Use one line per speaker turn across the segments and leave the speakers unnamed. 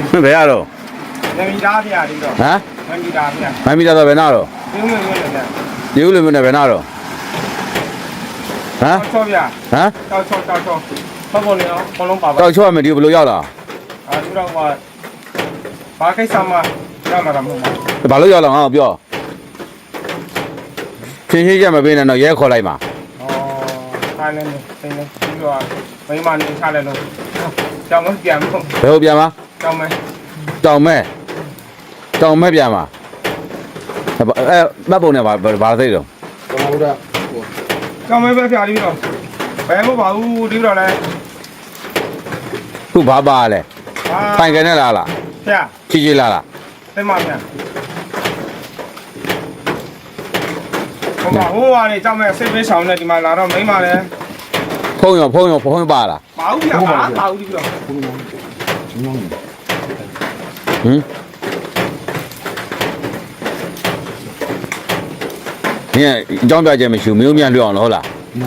ဘယ်ရတော့
ငမီသားပြရတယ်တော့
ဟမ်
ငမီသားပြ
မိုင်းမီတာတော့ဘယ်နာတော့
ပြုံးလို့ရတယ်
ဒီဦးလူမျိုးနဲ့ဘယ်နာတော့ဟမ်
ချောပြ
ဟမ်
တောက်ချောဘောပေါ်နေအောင်ဘလုံးပါပါ
တောက်ချောရမယ်ဒီဘယ်လိုရောက်လာ
ဒီတော့ဘာကိစ္စမှရမှာတော့မဟုတ်ဘူး
ဘာလို့ရောက်လာငါ့ကိုပြောချင်းချင်းချက်မပေးနဲ့တော့ရဲခေါ်လိုက်ပါ
ခိုင်းနေတယ်ပြီးတော့မိမနေချလိုက်လို့ကြောင်မပြန်ဘူး
ဘယ်လိုပြန်မ
ကြောင်မ
တောင်မဲပြန်မှာမတ်ပုံနဲ့ဘာသိတော့
ကြောင်မပဲပြပြီးတော့ဘယ်မှပါဘူးဒီတော့လဲ
ခုဘာပါလဲပိုင်ကနေလား
ပြ
ချီလား
သိမပြန်ဟိုကနေကြောင်မစိတ်ပေးဆောင်နေဒီမှာလာတော့မိမလဲ
ဖုံးရောပါလား
ပါဘူးပြပါဘူးဒီတော့
ဟင်ညအကြောင်းပြချက်မရှိဘူးမင်းမြန်လွတ်အောင်လို့ဟုတ်လား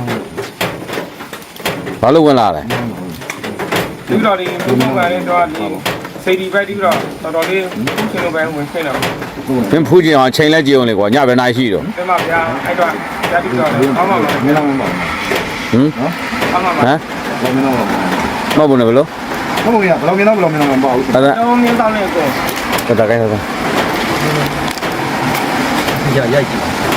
ဘာလို့ဝင်လာလဲ
ဒီတော့ဒီဘုံဘုံကလည်းတော့ဒီစိတ်ဒီပဲဒီတော့တော်တော်လေးရှင်လိုပဲဝင်ခွင့်တော့
မင်းဖူးကြည့်အောင်ချိန်လဲကြည့်အောင်လေကွာညဘယ်နာရှိတော့
ဒီမှာဗျာအဲ့တော့ဓာတ်ပြီးတော့အောင်းမှာမင်းတော့မပေါ့
ဟမ်
အောင်းမှာ
ဟမ်
မင်းတော့
မဟုတ်ဘူးနဲ့ဘယ်လို
ဘယ်လိုရဘယ်လိုမင်းတော့မပေါ့ဘူး
အဲ့ဒါ
တော့မင်းတောင်းနေကို
ဒါကိုင်းတော့
ရိုက်ကြည့်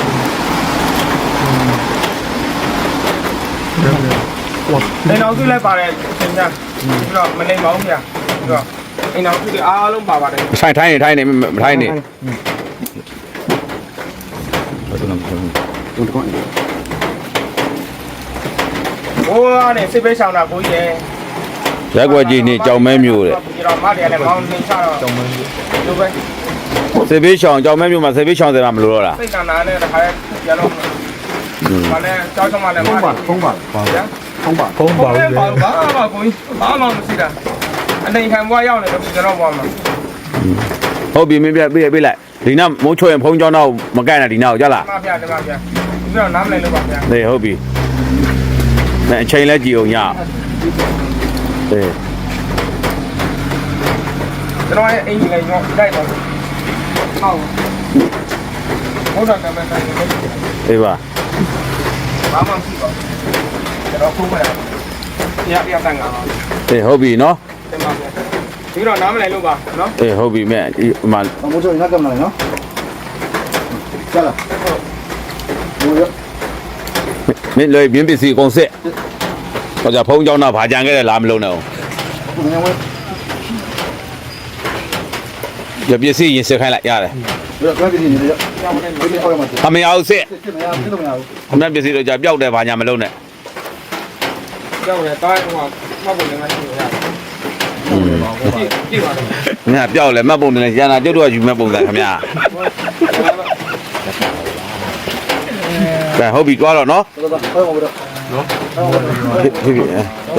အိမ်တော်စုလည်းပါတယ်သင်ညာပြီးတော့မနေပါဘူးဗျာပြီးတော့အိမ်တော်စုတွေအားလုံးပါပါတယ်
ထိုင်နေမထိုင်နေ
ဟိုကနေစိတ်ပေးဆောင်တာကိုကြီးရဲ့
ရက်ွက်ကြီးနေကြောင်မဲမျိုးတဲ့
ဒီတော့မတယ်လည်းမောင်းနေချတော့ကြောင်မဲလိုပဲ
စေဘေးရှောင်ကြောင်မဲမျိုးမှာစေဘေးရှောင်တယ်မှာမလို့တော့လား
စိတ်ကနာနဲ့တခါလဲရတော့ဘာလဲကြောက်ချမလဲဖုံးပါဗျာဖုံးပါဘာကိုကြီးဘာမှမရှိတာအနေခံဘွားရောက်နေတော့ကျွန်တော်ဘွားမှာ
ဟုတ်ပြီမင်းပြပေးလိုက်ဒီနောက်မိုးချွေရင်ဖုံးကြောင်းတော့မကန့်နဲ့ဒီနောက်ကြလား
ဒီမှာဗျာပြီးတော့နားမလဲလို့ပါဗျာ
နေဟုတ်ပြီနဲ့အချိန်လဲကြည့်အောင်ညအေး
ကျွန်တော်ရဲ့အိမ်ကြီးလည်းညောတိုက်ပါဟုတ်ဟုတ်တယ်ကမန်တိုင်း
အေးပါ
ဘာမှမရှိပါဘူးကျွန်တော်ဖုန်းမရရတန်ငါပါ
အေးဟုတ်ပြီနော်
တင်ပါဗျာပြီးတော့နားမလဲလို့ပါနော်
အေးဟုတ်ပြီမဲ့ဒီမှာ
မိုးချိုငါကမလာနော်ကျလာမိုးရ
မင်းလွယ်ပြင်းပစ္စည်းအကုန်စစ်ဟောကြဖုံးကြောင်းတော့ဗာကြံခဲ့တယ်လားမလုံးနဲ့အောင်
ငါဝဲ
ရပစ္စည်းရင်စစ်ခိုင်းလိုက်ရတယ်
ဘယ်တော့ကြည့်နေလဲကျောင်းထဲဒီအော်ရမှာ
အမေအောင်စစ်
စစ်မရစစ်လို့မရဘူး
အမေပစ္စည်းတော့ကြပျောက်တယ်ဗာညာမလုံးနဲ့
ကြောက်တယ်တားဟိုမှတ်ဖို့လည်းမရှိဘူးဗျာကြည့်ပါတော့
ငါပျောက်လဲမှတ်ပုံတယ်ရန်တာကျုပ်တို့ကယူမဲ့ပုံစံခင်ဗျာကဲဟုတ်ပြီတွားတော့နော်
တော်တော်ဟောမှာတော့နော်
ဖြစ်ပြီ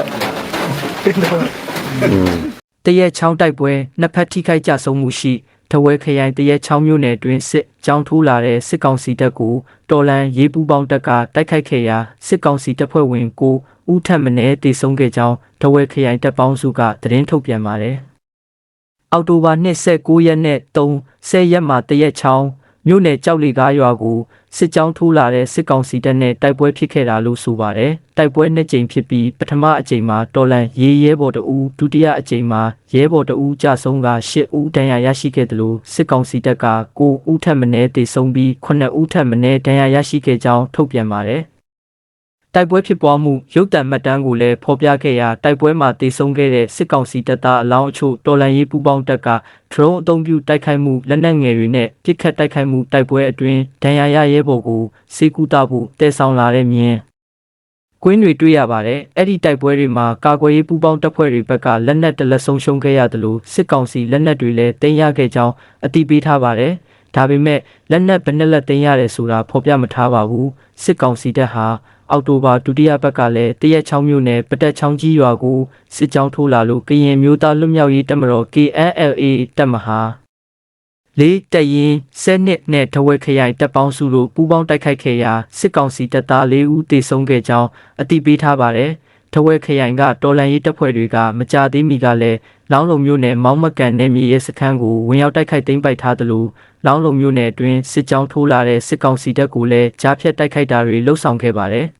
တရက်ချောင်းတိုက်ပွဲနှစ်ဖက်ထိခိုက်ကြဆုံးမှုရှိထဝဲခရိုင်တရက်ချောင်းမြို့နယ်တွင်စစ်ကြောင်းထိုးလာတဲ့စစ်ကောင်စီတပ်ကိုတော်လန်ရေးပူးပေါင်းတပ်ကတိုက်ခိုက်ခဲ့ရာစစ်ကောင်စီတပ်ဖွဲ့ဝင်ကိုဦးထက်မင်းတေဆုံးခဲ့ကြောင်းထဝဲခရိုင်တပ်ပေါင်းစုကသတင်းထုတ်ပြန်ပါတယ်။အောက်တိုဘာ29ရက်နဲ့30ရက်မှာတရက်ချောင်းမြို့နယ်ကြောက်လီကားရွာကိုစစ်ကြောင်းထိုးလာတဲ့စစ်ကောင်စီတပ်နဲ့တိုက်ပွဲဖြစ်ခဲ့တာလို့ဆိုပါတယ်။တိုက်ပွဲနှစ်ကြိမ်ဖြစ်ပြီးပထမအကြိမ်မှာတော်လန်ရဲဘော်တအူးဒုတိယအကြိမ်မှာရဲဘော်တအူးကြဆုံးက10ဦးဒဏ်ရာရရှိခဲ့တယ်လို့စစ်ကောင်စီတပ်က9ဦးထပ်မံတေဆုံးပြီး9ဦးထပ်မံဒဏ်ရာရရှိခဲ့ကြောင်းထုတ်ပြန်ပါတယ်။တိုက်ပွဲဖြစ်ပွားမှုရုပ်သံမှတ်တမ်းကိုလည်းဖော်ပြခဲ့ရာတိုက်ပွဲမှာတေဆုံးခဲ့တဲ့စစ်ကောင်စီတပ်သားအလောင်းအချို့တော်လန်ရေးပူးပေါင်းတပ်က drone အသုံးပြုတိုက်ခိုက်မှုလက်နက်ငယ်တွေနဲ့ပစ်ခတ်တိုက်ခိုက်မှုတိုက်ပွဲအတွင်းဒဏ်ရာရရဲဘော်ကိုစေကူတာဖို့တဲဆောင်လာတဲ့မြင်းကွင်းတွေတွေ့ရပါတယ်။အဲ့ဒီတိုက်ပွဲတွေမှာကာကွယ်ရေးပူးပေါင်းတပ်ဖွဲ့တွေဘက်ကလက်နက်တလက်ဆုံးရှုံးခဲ့ရတယ်လို့စစ်ကောင်စီလက်နက်တွေလည်းတင်ရခဲ့ကြောင်းအသိပေးထားပါတယ်။ဒါပေမဲ့လက်နက်ဘယ်နှလက်တင်ရတယ်ဆိုတာဖော်ပြမထားပါဘူး။စစ်ကောင်စီတပ်ဟာအောက်တိုဘာဒုတိယပတ်ကလည်းတရက်ချောင်းမြို့နယ်ပတက်ချောင်းကြီးရွာကိုစစ်ကြောင်းထိုးလာလို့ကရင်မျိုးသားလွတ်မြောက်ရေးတပ်မတော် KNLA တပ်မဟာလေးတရင်7နဲ့ထဝဲခရိုင်တပ်ပေါင်းစုတို့ပူးပေါင်းတိုက်ခိုက်ခဲ့ရာစစ်ကောင်စီတပ်သား4ဦးသေဆုံးခဲ့ကြောင်းအသိပေးထားပါတယ်။ထဝဲခရိုင်ကတော်လန်ရေးတပ်ဖွဲ့တွေကမကြသေးမီကလည်းလောင်းလုံမျိုးနယ်မောင်းမကန်နယ်မြေရဲစခန်းကိုဝင်ရောက်တိုက်ခိုက်သိမ်းပိုက်ထားသလိုလောင်းလုံမျိုးနယ်အတွင်းစစ်ကြောင်းထိုးလာတဲ့စစ်ကောင်စီတပ်ကိုလည်းကြားဖြတ်တိုက်ခိုက်တာတွေလှုပ်ဆောင်ခဲ့ပါတယ်